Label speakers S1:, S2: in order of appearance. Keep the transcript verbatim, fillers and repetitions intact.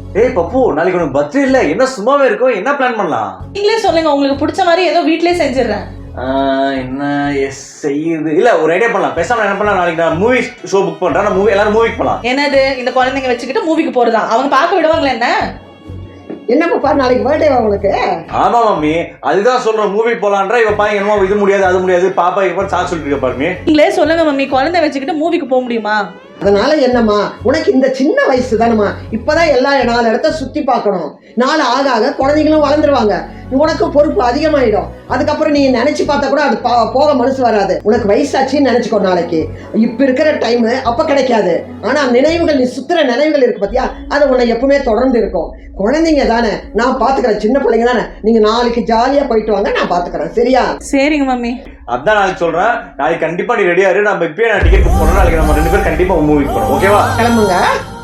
S1: ஏய் பப்பு, நாளைக்கு உனக்கு பர்த்டே இல்ல, என்ன சும்மாவே இருக்கும், என்ன பிளான் பண்ணலாம்?
S2: நீங்களே சொல்லுங்க, உங்களுக்கு பிடிச்ச மாதிரி ஏதோ வீட்லயே செஞ்சிடறேன்.
S1: என்ன எஸ் செய்யுது இல்ல, ஒரு ஐடியா பண்ணலாம். பேசாம என்ன பண்ணலாம், நாளைக்கு நான் மூவி ஷோ புக் பண்றேன், நான் மூவி எல்லாரும் மூவிக்கு போலாம்.
S2: என்னது இந்த குழந்தைங்க வச்சுக்கிட்டு மூவிக்கு போறதா? அவங்க பார்க்க விடுவாங்களா என்ன?
S3: என்ன பாப்பா, நாளைக்கு பர்த்டேவா உனக்கு?
S1: ஆமா மம்மி, அதுதான் சொல்றேன், மூவி போலான்றா. இவ பாருங்க என்னமோ இது முடியாது அது முடியாது, பாப்பா இப்ப சாக்கு சொல்லிட்டு இருக்க பாருங்க.
S2: நீங்களே சொல்லுங்க மம்மி, குழந்தை வச்சுக்கிட்டு மூவிக்கு போக முடியுமா?
S3: அதனால என்னம்மா, உனக்கு இந்த சின்ன வயசு தானம்மா, இப்பதான் எல்லா நாலு இடத்த சுத்தி பார்க்கணும். நாலு ஆக ஆக குழந்தைங்களும் வளர்ந்துருவாங்க, உனக்கு பொறுப்பு அதிகமாயிடும். அதுக்கப்புறம் நீ நினைச்சு பார்த்தா கூட அது போக மனசு வராது. உனக்கு வயசாச்சுன்னு நினைச்சுக்கோ நாளைக்கு. இப்ப இருக்கிற டைம் அப்ப கிடைக்காது. ஆனா நினைவுகள், நீ சுத்துற நினைவுகள் இருக்கு பாத்தியா, அது உன்னை எப்பவுமே தொடர்ந்து இருக்கும். குழந்தைங்க தானே, நான் பாத்துக்கிறேன். சின்ன பிள்ளைங்க தானே, நீங்க நாளைக்கு ஜாலியா போயிட்டு வாங்க, நான் பாத்துக்கிறேன். சரியா?
S2: சரிங்க மம்மி.
S1: அதான் நாளைக்கு சொல்றேன். நாளைக்கு கண்டிப்பா நீ ரெடியா இரு. நம்ம இப்பயே நான் டிக்கெட் புக் பண்ணணும். நாளைக்கு நம்ம ரெண்டு பேரும் கண்டிப்பா மூவிக்கு போறோம். ஓகேவா?
S3: கிளம்புங்க.